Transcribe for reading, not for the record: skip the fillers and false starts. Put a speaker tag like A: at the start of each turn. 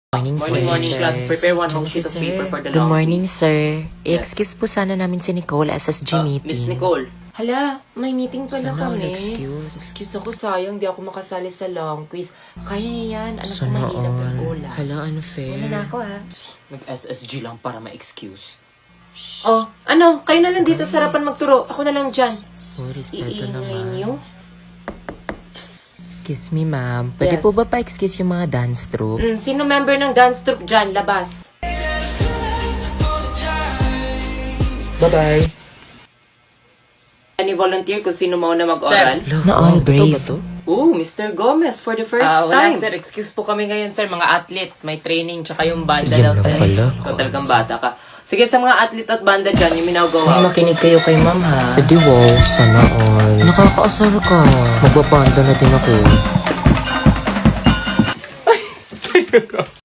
A: Morning,
B: Morning, morning,
A: sir.
B: class. Prepare one whole
A: Thank
B: sheet
A: you,
B: of
A: sir.
B: paper for the
A: Good
B: long
A: morning,
B: quiz.
A: sir.
B: Yes.
A: I-excuse po sana namin si Nicole, SSG meeting.
B: Miss Nicole. Hala, may meeting pala
A: Sana
B: kami.
A: excuse.
B: Excuse ako, sayang. Di ako makasali sa long quiz. Kaya yan. Anak ko
A: Sana
B: mahirap
A: all.
B: ng ulam.
A: Hala, unfair.
B: Wala na ako, ha? Mag-SSG lang para ma-excuse. Oh, kayo na lang dito sa harapan magturo. Ako na lang dyan.
A: Oh, respeto
B: Iingay
A: naman.
B: niyo.
A: Excuse me, ma'am. Pwede
B: Yes.
A: po ba pa-excuse yung mga dance troupe?
B: Sino member ng dance troupe dyan? Labas.
A: Bye-bye.
B: Any volunteer kung sino mo na mag-oral?
A: Na all brave.
B: Oh, Mr. Gomez for the first
C: Wala
B: time.
C: sir, excuse po kami ngayon sir, mga athlete, may training, tsaka yung banda
A: Yan
C: daw
A: lang
C: sir.
A: pala.
B: Ikaw talagang bata ka. Sige, sa mga athlete at banda dyan, yung
C: Ay,
B: minagawa.
C: makinig kayo kay ma'am ha.
A: Pwede wow, sana all. Nakakaasar ka. Magbabanda na din ako.